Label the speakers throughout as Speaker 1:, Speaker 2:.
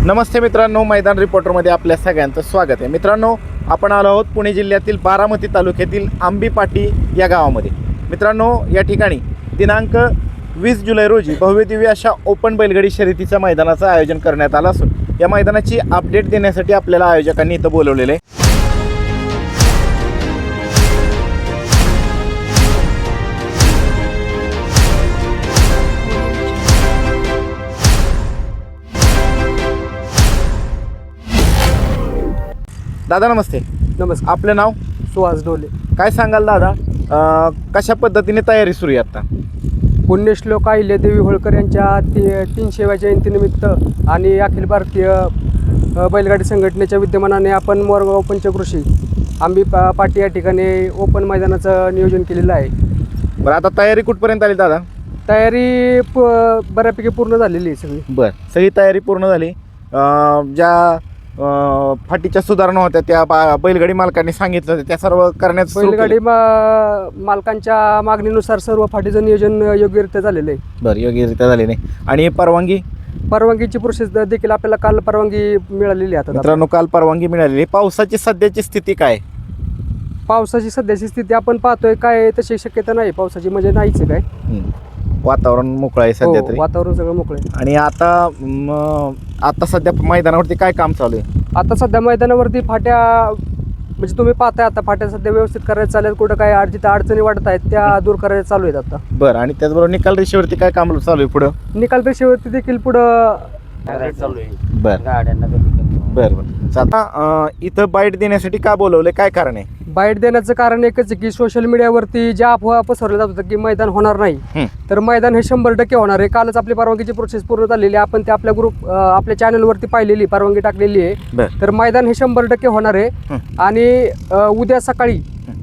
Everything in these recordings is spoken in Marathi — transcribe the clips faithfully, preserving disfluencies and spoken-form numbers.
Speaker 1: नमस्ते मित्रांनो, मैदान रिपोर्टरमध्ये आपल्या सगळ्यांचं स्वागत आहे। मित्रांनो, आपण आलो आहोत पुणे जिल्ह्यातील बारामती तालुक्यातील आंबीपाटी या गावामध्ये। मित्रांनो, या ठिकाणी दिनांक वीस जुलै रोजी भव्यदिव्य अशा ओपन बैलगाडी शर्यतीच्या मैदानाचं आयोजन करण्यात आलं असून या मैदानाची अपडेट देण्यासाठी आपल्याला आयोजकांनी इथं बोलवलेले आहे। दादा नमस्ते।
Speaker 2: नमस्कार।
Speaker 1: आपलं नाव?
Speaker 2: सुहास ढोले।
Speaker 1: काय सांगाल दादा, अ, कशा पद्धतीने तयारी सुरू आहे आता?
Speaker 2: पुण्यश्लोक अहिल्यादेवी होळकर यांच्या ती तीनशेव्या जयंतीनिमित्त आणि अखिल भारतीय अ, बैलगाडी संघटनेच्या विद्यमानाने आपण मोरगाव पंचकृषी आंबी पा पाटी या ठिकाणी ओपन मैदानाचं नियोजन केलेलं आहे।
Speaker 1: बरं, आता तयारी कुठपर्यंत आली दादा?
Speaker 2: तयारी प बऱ्यापैकी पूर्ण झालेली आहे सगळी।
Speaker 1: बरं, सगळी तयारी पूर्ण झाली। अ, ज्या अ, फाटीच्या सुधारणा होत्या त्या बा बैलगाडी मालकांनी सांगितलं होतं त्या सर्व करण्याचं सुरू केलं?
Speaker 2: बैलगाडी मा मालकांच्या मागणीनुसार सर्व फाटीचं नियोजन योग्यरित्या झालेलं आहे।
Speaker 1: बरं, योग्यरित्या झाली नाही। आणि परवानगी?
Speaker 2: परवानगीची प्रोसेस देखील आपल्याला काल परवानगी मिळालेली आहे। आता
Speaker 1: मित्रांनो, काल परवानगी मिळालेली। पावसाची सध्याची स्थिती काय?
Speaker 2: पावसाची सध्याची स्थिती आपण पाहतोय काय तशी शक्यता नाही पावसाची, म्हणजे नाहीच आहे काय।
Speaker 1: हं. वातावरण मोकळं आहे सध्या
Speaker 2: हो,
Speaker 1: तरी।
Speaker 2: वातावरण सगळं मोकळं आहे।
Speaker 1: आणि आता म, आता सध्या मैदानावरती काय काम चालू आहे?
Speaker 2: आता सध्या मैदानावरती फाट्या म्हणजे तुम्ही पाहताय आता फाट्या सध्या व्यवस्थित करायचं चालेल, कुठं काय अड जिथं अडचणी वाटत आहेत त्या दूर करायच्या चालू आहेत आता।
Speaker 1: बरं, आणि त्याचबरोबर निकाल रेषेवरती काय काम चालू आहे पुढं?
Speaker 2: निकाल रेषेवरती देखील पुढं
Speaker 3: चालू आहे।
Speaker 1: बरं
Speaker 3: गाड्यांना
Speaker 1: बरं बरं आता अ, इथं बाईट देण्यासाठी का बोलवलं, काय कारण आहे?
Speaker 2: बाईट देण्याचं कारण एकच आहे की सोशल मीडियावरती ज्या अफवा पसरल्या जात होत्या की मैदान होणार नाही,
Speaker 1: हं.
Speaker 2: तर मैदान हे शंभर टक्के होणार आहे। कालच आपली परवानगीची प्रोसेस पूर्ण झालेली आहे। आपण ते आपल्या ग्रुप आपल्या चॅनलवरती पाहिलेली परवानगी टाकलेली आहे।
Speaker 1: बरं
Speaker 2: तर मैदान हे शंभर टक्के होणार आहे।
Speaker 1: हं.
Speaker 2: आणि अ, उद्या सकाळी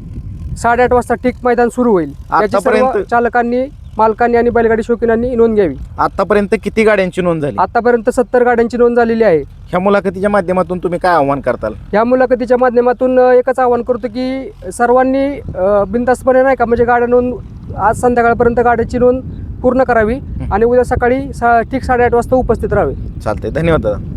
Speaker 2: साडेआठ वाजता ठीक मैदान सुरू होईल। याची सर्व
Speaker 1: आतापर्यंत-
Speaker 2: चालकांनी, मालकांनी आणि बैलगाडी शौकीनांनी नोंद घ्यावी।
Speaker 1: आतापर्यंत किती गाड्यांची नोंद झाली?
Speaker 2: आतापर्यंत सत्तर गाड्यांची नोंद झालेली आहे।
Speaker 1: ह्या मुलाखतीच्या माध्यमातून तुम्ही काय आव्हान करताल?
Speaker 2: या मुलाखतीच्या माध्यमातून अ, एकच आवाहन करतो की सर्वांनी अ, बिनधास्तपणे नाही का म्हणजे गाड्या नोंद आज संध्याकाळपर्यंत गाड्याची नोंद पूर्ण करावी आणि उद्या सकाळी सा ठीक साडेआठ वाजता उपस्थित राहावे।
Speaker 1: चालतंय, धन्यवाद दादा।